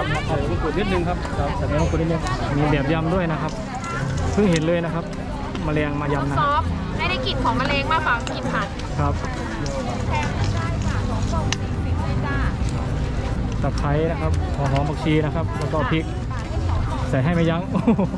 ำใส่มะกรูดนิดนึงครับใส่มะกรูดนิดนึงมีแบบยำด้วยนะครับเพิ่งเห็นเลยนะครับแมลงมายำนะซอฟไม่ได้กลิ่นของแมลงมากกว่ากลิ่นผัดครับตะไคร้นะครับหอมผักชีนะครับแล้วก็พริกใส่ให้ไม่ยั้ง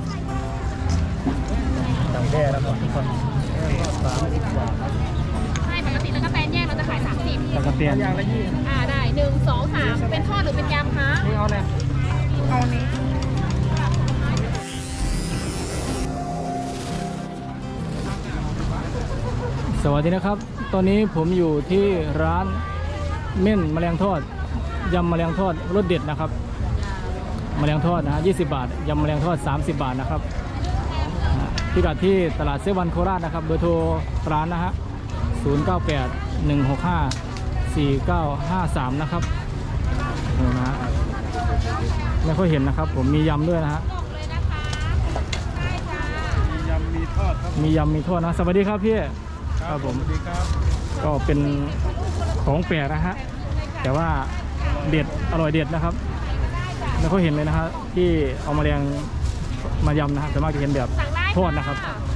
ดังแย่แล้วก่อนทุกคน30 บาทใช่ปกติตะกะแตนแยกเราจะขาย30 ตะกะเตียนอย่างละ20 ได้1 2 3เป็นทอดหรือเป็นยำคะนี่เอาเลยเอานี้สวัสดีนะครับตอนนี้ผมอยู่ที่ร้านเม่นแมลงทอดยำแมลงทอดรสเด็ดนะครับแมลงทอดนะ20 บาทยำแมลงทอด30 บาทนะครับพิกัดที่ตลาดเซเว่นโคราชนะครับเบอร์โทรร้านนะฮะ0981654953นะครับนี่นะไม่ค่อยเห็นนะครับผมมียำด้วยนะฮะมียำมีทอดครับมียำมีทอดนะสวัสดีครับพี่ครับผมสวัสดีครับก็เป็นของแปลกนะฮะแต่ว่าเด็ดอร่อยเด็ดนะครับไม่ค่อยเห็นเลยนะฮะที่เอาแมลงมายำนะครับแต่มากจะเห็นแบบทอดนะครับ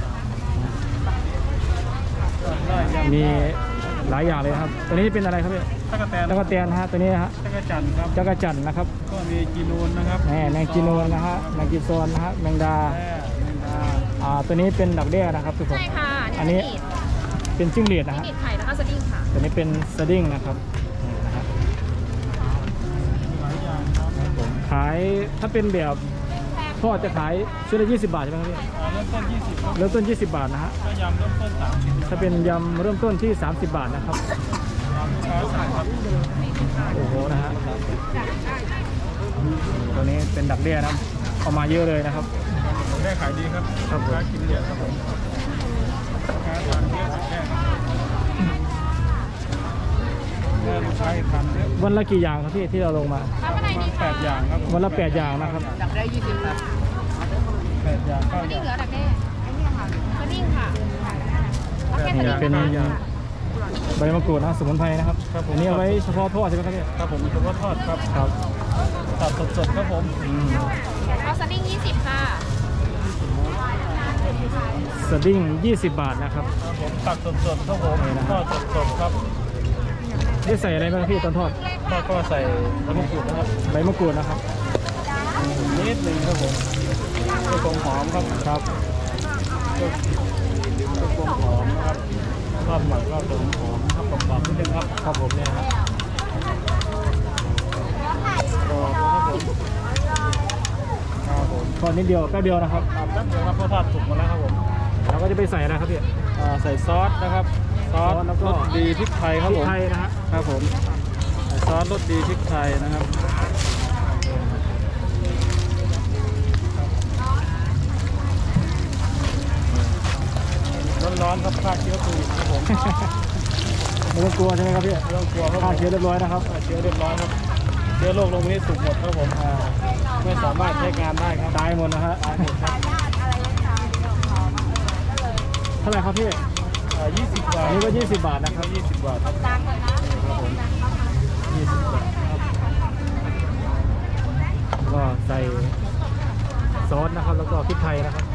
มีหลายอย่างเลยครับตัวนี้เป็นอะไรครับพี่ตะกะแตนตะกะเตียนนะฮะตัวนี้นะฮะจักรจันทร์ครับจักรจันทร์นะครับก็มีกีนูนนะครับแมงจีนูนนะฮะแมงจีซอนนะฮะแมงดาตัวนี้เป็นดักแด้นะครับทุกคนใช่ค่ะอันนี้เป็นจิ้งหรีดนะฮะจิ้งหรีดไข่แล้วก็สดิ้งค่ะตัวนี้เป็นสดิ้งนะครับขายถ้าเป็นแบบทอดจะขายชุดละ20 บาทใช่ไหมครับพี่เริ่มต้น20ครับเริ่มต้น20 บาทนะฮะก็ยำเริ่มต้น30 ถ้าเป็นยำเริ่มต้นที่30 บาทนะครับโอ้โหนะฮะตัวนี้เป็นดักเดี้ยนะเอามาเยอะเลยนะครับได้ขายดีครับครับผมกินเยอะครับผมทานเยอะแค่ใช้ทานเยอะวันละกี่อย่างครับพี่ที่เราลงมา 8 อย่างครับวันละ8 อย่างนะครับดักได้20ครับ 8 อย่าง9 ดิ้อง ย่างเหลือดักแด้สดิ้งค่ะนี่เป็นใบมะกรูดนะสมุนไพรนะครับอันนี้เอาไว้เฉพาะทอดใช่ไหมครับพี่ครับผมเฉพาะทอดครับครับตัดสดๆครับผมเอาสดิ้ง20ค่ะสดิ้ง20 บาทนะครับผมตัดสดๆครับผมทอดสดๆครับได้ใส่อะไรบ้างพี่ตอนทอดก็ใส่ใบมะกรูดนะครับใบมะกรูดนะครับนิดนึงครับผมเพื่อความหอมครับครับเพื่อความหอมนะครับทอดหมักก็จะหอมครับกรอบๆนิดนึงครับครับผมเนี่ยครับกรอบครับผมครับผมทอดนิดเดียวแป๊บเดียวนะครับแป๊บเดียวครับเพราะทอดสุกมาแล้วครับผมเราก็จะไปใส่อะไรครับพี่ใส่ซอสนะครับซอสรสดีพริกไทยครับผมพริกไทยนะฮะครับผมซอสรสดีพริกไทยนะครับร้อนๆครับฆ่าเชื้อโควิดครับผมไม่ต้องกลัวใช่ไหมครับพี่ไม่ต้องกลัวครับฆ่าเชื้อเรียบร้อยนะครับฆ่าเชื้อเรียบร้อยครับเชื้อโรคลงนี้สุกหมดครับผมไม่สามารถใช้งานได้ครับตายหมดนะฮะตายหมดครับเท่าไหร่ครับพี่ 20 บาทนี่ก็20 บาทนะครับ 20 บาทครับผม 20 บาทก็ใส่ซอสนะครับแล้วก็พริกไทยนะครับ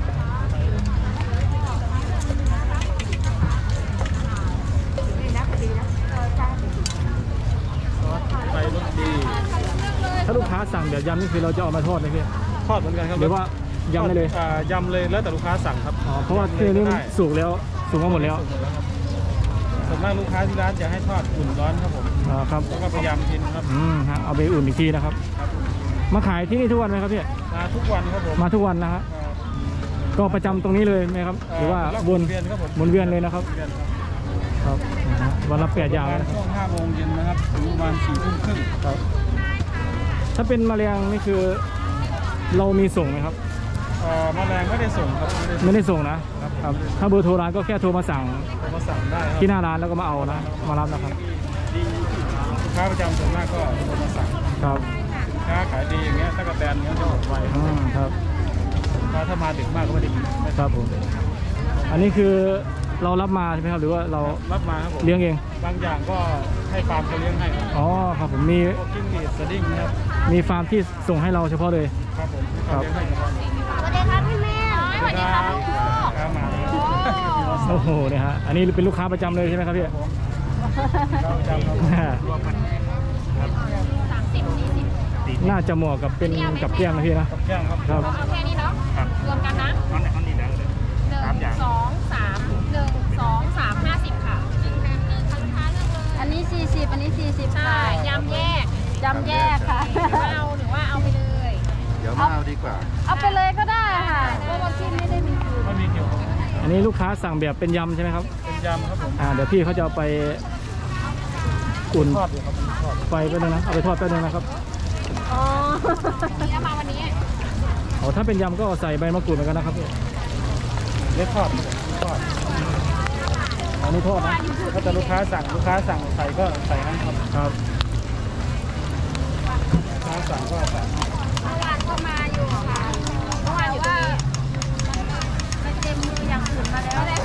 ไปรสดีถ้าลูกค้าสั่งเดี๋ยวยำนี่คือเราจะเอามาทอดไหมพี่ทอดเหมือนกันครับหรือว่ายำได้เลยยำเลยแล้วแต่ลูกค้าสั่งครับเพราะว่าที่นี่มันสุกแล้วสุกมาหมดแล้วส่วนมากลูกค้าที่ร้านจะให้ทอดอุ่นร้อนครับผมครับแล้วก็พยายามกินครับฮะเอาไปอุ่นอีกทีนะครับมาขายที่นี่ทุกวันไหมครับพี่มาทุกวันครับผมมาทุกวันนะฮะก็ประจำตรงนี้เลยไหมครับหรือว่าวนเวียนครับผมวนเวียนเลยนะครับครับวันละ8 อย่างนะช่วง5 โมงเย็นนะครับถึงประมาณ4 ทุ่มครึ่งครับถ้าเป็นแมลงนี่คือเรามีส่งไหมครับแมลงไม่ได้ส่งครับไม่ได้ส่งนะครับถ้าเบอร์โทรร้านก็แค่โทรมาสั่งได้ที่หน้าร้านแล้วก็มาเอานะมารับนะครับลูกค้าประจำส่วนมากก็โทรมาสั่งครับค้าขายดีอย่างเงี้ยถ้ากระแตนเงี้ยจะหมดไวครับถ้ามาดึกมากก็ไม่ได้กินครับผมอันนี้คือเรารับมาใช่ไหมครับหรือว่าเรารับมาครับผมเลี้ยงเองบางอย่างก็ให้ฟาร์มเขาเลี้ยงให้ครับอ๋อครับผมมีพวกจิ้งหรีดสดิ้งนะครับมีฟาร์มที่ส่งให้เราเฉพาะเลยครับผมที่เขาเลี้ยงให้เฉพาะสวัสดีครับพี่แม่สวัสดีครับลูกครับมาโอ้โหเนี่ยฮะอันนี้เป็นลูกค้าประจำเลยใช่ไหมครับพี่เราจำเรารวมกันครับ 30 40 น่าจะเหมาะกับเป็นกับเกี้ยงนะพี่นะกับแก้งครับครับเอาแค่นี้เนาะครับรวมกันนะอันนี้แล้วเลย 1 2 3 1 2 3 50ค่ะอันนี้40อันนี้40ใช่ยำแยกจำแยกค่ะหรือว่าเอาไปเลยเดี๋ยวมาเอาดีกว่าเอาไปเลยก็ได้ค่ะเพราะว่าพี่ไม่ได้มีคิวไม่มีเกี่ยวกับอันนี้ลูกค้าสั่งแบบเป็นยำใช่ไหมครับเป็นยำครับผมเดี๋ยวพี่เขาจะเอาไปอุ่นทอดอยู่ครับทอดไฟแป๊บนึงนะเอาไปทอดแป๊บนึงนะครับอ๋อนี่เอามาวันนี้ถ้าเป็นยำก็ใส่ใบมะกรูดเหมือนกันนะครับพี่เล็กทอดครับผมทอดอันนี้ทอดนะถ้าจะลูกค้าสั่งใส่ก็ใส่นั้นครับครับลูกค้าสั่งก็ใส่เมื่อวานก็มาอยู่ค่ะเมื่อวานอยู่ตรงนี้ไปเต็มมืออย่างอื่นมาแล้วเลย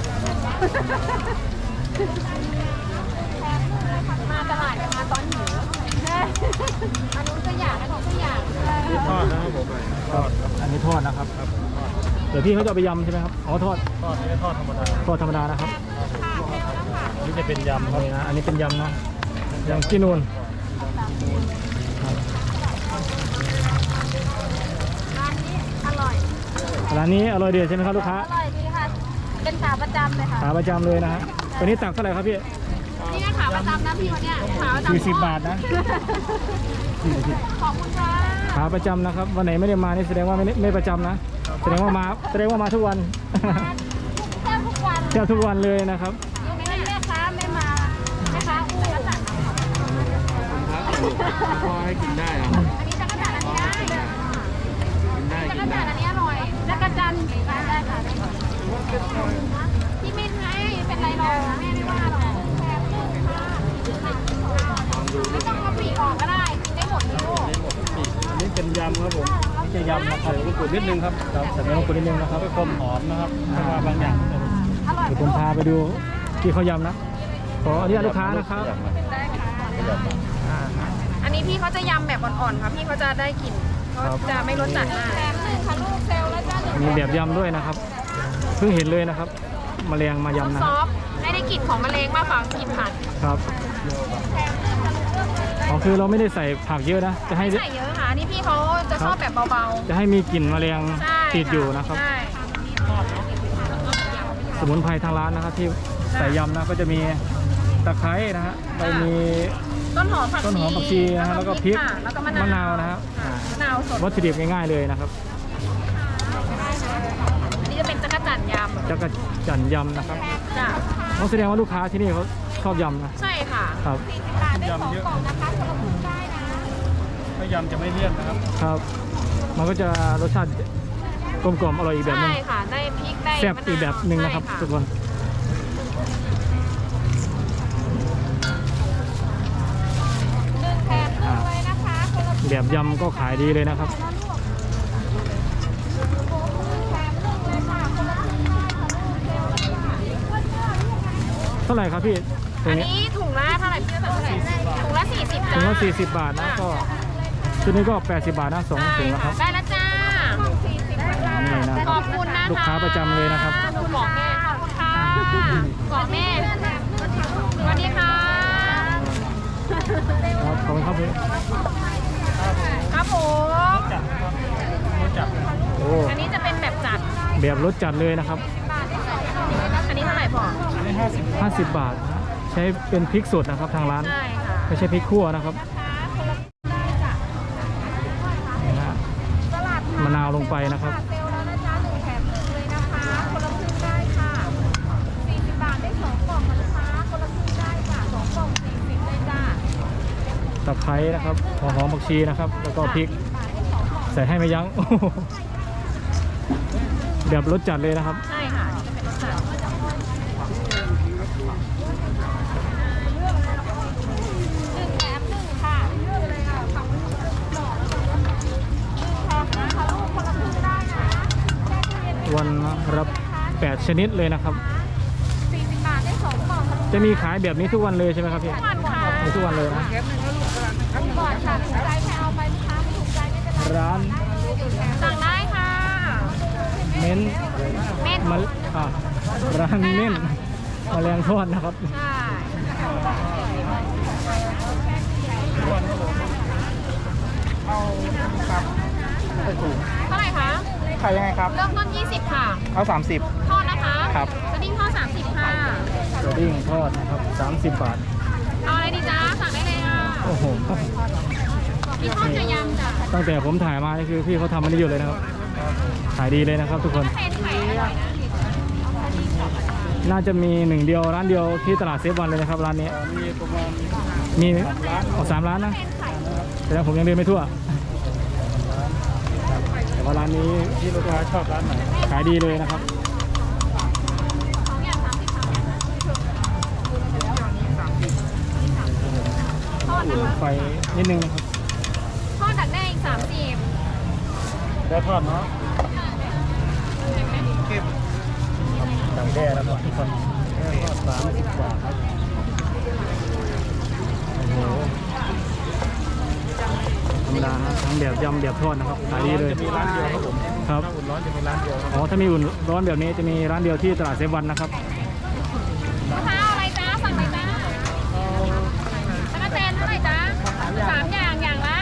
มาตลาดกันมาตอนหิวอันนู้นก็อยากอันนู้นก็อยากทอดนะครับผมทอดครับอันนี้ทอดนะครับครับผมทอดเดี๋ยวพี่เขาจะเอาไปยำใช่ไหมครับอ๋อทอดทอดนี่ทอดธรรมดาทอดธรรมดานะครับนี่จะเป็นยำครับนี่นะอันนี้เป็นยำเนาะยำกินูนครับร้านนี้อร่อยร้านนี้อร่อยเด็ดใช่ไหมครับลูกค้าอร่อยดีค่ะ เป็นขาประจำเลยค่ะขาประจำเลยนะฮะตัวนี้ตักเท่าไหร่ครับพี่นี่ก็ขาประจำนะพี่วันเนี้ยขาประจำ 40 บาทนะขอบคุณค่ะขาประจำนะครับวันไหนไม่ได้มานี่แสดงว่าไม่ประจำนะแสดงว่ามาทุกวันแทบทุกวันแทบทุกวันเลยนะครับยกเว้นแม่ค้าไม่มาแม่ค้าอู้แล้วสั่งพอให้กินได้อะอันนี้จักรจันทร์อันนี้ได้กินได้จักกิรนจัได้นทร์อันนี้อร่อยจักรจันทร์ได้ค่ะที่ไม่ให้เป็นไรหรอกแม่ไม่ว่าหรอกแพงลูกค่ะไม่ต้องเอาปีกออกก็ได้กินได้หมดเลยลูกอันนี้เป็นยำครับผมนี่จะยำนะครับมะกรูดนิดนึงครับครับใส่เนื้อมะกรูดนิดนึงนะครับเพื่อความหอมนะครับเพราะว่าบางอย่างอร่อยเดี๋ยวผมพาไปดูที่เขายำนะขออนุญาตลูกค้านะครับได้ค่ะอันนี้พี่เขาจะยำแบบอ่อนๆค่ะพี่เขาจะได้กลิ่นเขาจะไม่รสจัดมากแถมหนึ่งค่ะลูกเซลล์แล้วจ้าหนึ่งมีแบบยำด้วยนะครับเพิ่งเห็นเลยนะครับแมลงมายำนะซอฟต์ให้ได้กลิ่นของมะเร็งมากกว่ากลิ่นผัดครับอ๋อคือเราไม่ได้ใส่ผักเยอะนะจะให้ไม่ใส่เยอะค่ะอันนี่พี่เขาจะชอบแบบเบาจะให้มีกลิ่นแมลงๆใช่ติดอยู่นะครับใช่สมุนไพรทางร้านนะครับที่ใส่ยำนะก็จะมีตะไคร้นะฮะเรามีต้นหอมผักต้นหอมผักชีนะฮะแล้วก็พริกค่ะแล้วก็มะมะนานาว วนะครับค่ะมะนาวสดวัตถุดิบง่ายๆเลยนะครับอันนี้จะเป็นจักรจันทร์ยจักรจั่นยำนะครับำจ้ะเขาแสดงว่าลูกค้าที่นี่เขาชอบยำนะใช่ค่ะครับยำเยอะถ้ายำจะไม่เลี่ยนนะครับครับ มันก็จะรสชาติกลมกล่อมอร่อยอีกแบบหนึใช่งค่ะได้พริกได้แซ่บมะาวอีกแบบหนึ่งนะครับใช่ทุกคนแถมหนึ่งเลยนะคะคนละแบบยำก็ขายดีเลยนะครับแถมหนึ่งเลยค่ะคนละครึ่งได้ค่ะลูกเซลล์แล้วค่ะเท่าไหร่ครับพี่ตัวอันนี้นี้ถุงละเท่าไหร่พี่จะสั่งเท่าไหร่ถุงละ40 ถุจ้างละ40 บาทนะก็ชุดนี้ก็80 บาทนะสองถุงนะครับได้แล้วจ้านี่นะขอบคุณนะคะลูกค้าประจำเลยนะครับขอบคุณบอกแม่ขอบคุณค่ะบอกแม่สวัสดีค่ะครับขอบคุณครับพี่ครับผมจัดนะครับรสจัดโอ้อันนี้จะเป็นแบบจัดแบบรสจัดเลยนะครับอันนี้เท่าไหร่พออันนี้50 50 บาทนะใช้เป็นพริกสดนะครับทางร้านใช่ค่ะไม่ใช่พริกขั่วนะครับนี่นะมะนาวลงไปนะครับเซลล์แล้วนะจ๊ะ1แถม1เลยนะคะคนละครึ่งได้ค่ะ40 บาทได้2กล่องนะจ๊ะคนละครึ่งได้ค่ะ2กล่อง40เลยจ้าตะไคร้นะครับหัวหอมผักชีนะครับ แล้วก็พริกใส่ให้ไม่ยั้ง แบบรสจัดเลยนะครับใช่ค่ะนี่จะเป็นรสจัด1แถม1ค่ะเลือกเลยค่ะฝั่งนู้นหล่อแล้วก็1แถม1ค่ะลูกคนละครึ่งได้นะแช่ตู้เย็นไว้วันรับ8ชนิดเลยนะครับ 40 จะมีขายแบบนี้ทุกวันเลยใช่ไหมครับพี่ทุกวันค่ะมีทุกวันเลยนะก่อนค่ะถูกใจแพรเอาไปลูกค้าไม่ถูกใจไม่เป็นไรร้านสั่งได้ค่ะเม้นเม็ดมาร้านเม่นแมลงทอดนะครับใช่ เท่าไหร่คะขายยังไงครับเริ่มต้น20 ค่ะเอา30 ทอดนะคะครับสดิ้งทอด30 ค่ะสดิ้งทอดนะครับ30 บาทเอาอะไรดีจ๊ะ สั่งได้เลยค่ะโอ้โหมีทอดกระยำจ้ะตั้งแต่ผมถ่ายมานี่คือพี่เขาทำมันได้อยู่เลยนะครับ ขายดีเลยนะครับทุกคนถ้าเป็นไข่อร่อยนะน่าจะมีหนึ่งเดียวร้านเดียวที่ตลาดเซฟวันเลยนะครับร้านนี้มีประมาณมี3 ร้านนะเป็นไข่แต่ว่าผมยังเดินไม่ทั่ว แต่ว่าร้านนี้ที่ลูกค้าชอบร้านไหนขายดีเลยนะครับ 2 อย่าง30 ค่ะทอดนะคะไฟนิดนึงนะครับทอดดักแด้อีก30 แล้วทอดเนาะดังแด้นะครับทุกคนทอด30 บาทครับโอ้โหธรรมดาฮะทั้งแบบยำแบบทอดนะครับขายดีเลยจะมีร้านเดียวครับผมครับถ้าอุ่นร้อนจะมีร้านเดียวครับอ๋อถ้ามีอุ่นร้อนแบบนี้จะมีร้านเดียวที่ตลาดเซฟวันนะครับลูกค้าเอาอะไรจ๊ะ สั่งเลยจ้าตะกั่วแตนเท่าไหร่จ๊ะ3 อย่างอย่างละ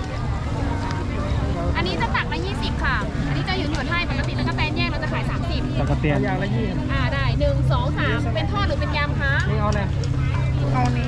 อันนี้จะตักละ20 ค่ะ อันนี้จะหยุดให้ปกติตะกั่วแตนแยกเราจะขาย30 ตะกะเตียนอย่างละ20 ได้1 2 3เป็นทอดหรือเป็นยำคะนี่เอาเลยเอานี้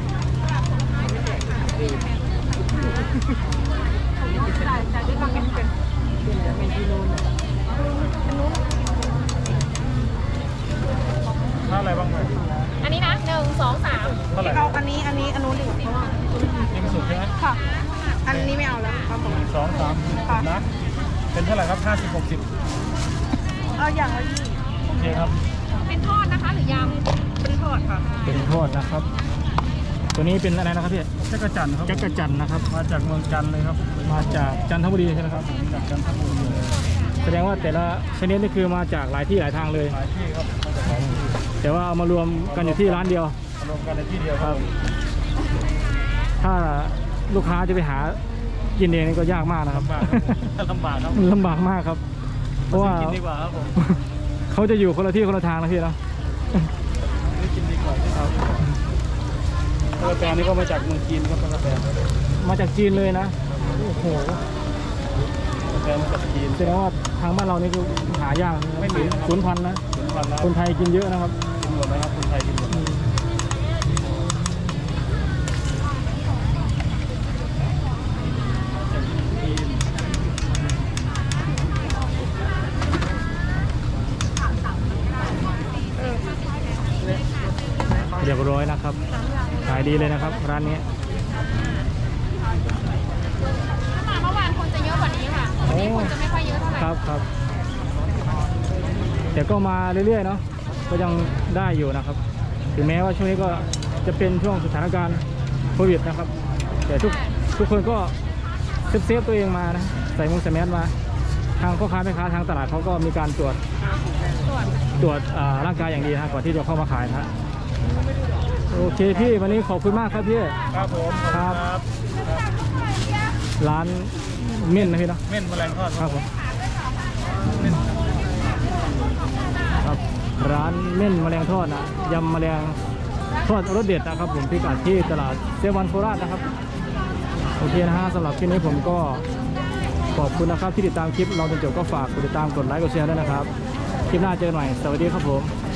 ถ้าอะไรบ้างไหมอันนี้นะ1 2 3 เท่าไหร่เอาอันนี้อันนู้นดีกว่าเพราะว่ายังไม่สุดใช่ไหมค่ะ อันนี้ไม่เอาแล้วเอาผม 2 3นะ เป็นเท่าไหร่ครับ50 60 เอาอย่างละ20 โอเคครับเป็นทอดนะคะหรือยำเป็นทอดค่ะเป็นทอดนะครับ ตัวนี้เป็นอะไรนะครับพี่จักรจันทร์ครับจักรจันทร์นะครับมาจากเมืองจันทร์เลยครับมาจากจันทบุรีใช่ไหมครับจากจันทบุรีเลยแสดงว่าแต่ละชนิดนี่คือมาจากหลายที่หลายทางเลยหลายที่ครับมาจากหลายที่แต่ว่าเอามารวมกันอยู่ที่ร้านเดียวรวมกันในที่เดียวครับถ้าลูกค้าจะไปหากินเองนี่ก็ยากมากนะครับลำบากครับมันลำบากมากครับ เพราะว่ากินดีกว่าครับผมเขาจะอยู่คนละที่คนละทางนะพี่เนาะไม่กินดีกว่าครับตะกั่วแตนนี่ก็มาจากเมืองจีนครับตะกั่วแตนมาจากจีนเลยนะ โอ้โหตะกั่วแตนมาจากจีนแสดงว่าทางบ้านเรานี่คือหายากนะไม่มีนะครับสูญพันธุ์นะถึงวันแล้วคนไทยกินเยอะนะครับกินหมดนะครับคนไทยกินหมดเรียบร้อยนะครับ ขายดีเลยนะครับ ร้านนี้ถ้ามาเมื่อวานคนจะเยอะกว่านี้ค่ะวันนี้คนจะไม่ค่อยเยอะเท่าไหร่ครับครับแต่ก็มาเรื่อยๆเนาะก็ยังได้อยู่นะครับ ถึงแม้ว่าช่วงนี้ก็จะเป็นช่วงสถานการณ์โควิดนะครับ แต่ทุกคนก็เซฟตัวเองมานะใส่มุ้งใส่แมสมา ทางพ่อค้าแม่ค้าทางตลาดเขาก็มีการตรวจร่างกายอย่างดีนะก่อนที่จะเข้ามาขายนะฮะโอเคพี่วันนี้ขอบคุณมากครับพี่ครับผมครับ ร้านเม่นนะพี่เนาะเม่นแมลงทอดครับผมครับร้านเม่นแมลงทอดนะยำแมลงทอดรสเด็ดนะครับผมพิกัดที่ตลาดเซวันโคราชนะครับโอเคนะฮะสำหรับคลิปนี้ผมก็ขอบคุณนะครับที่ติดตามคลิปเราจนจบก็ฝากกดติดตามกดไลค์กดแชร์ด้วยนะครับคลิปหน้าเจอกันใหม่สวัสดีครับผม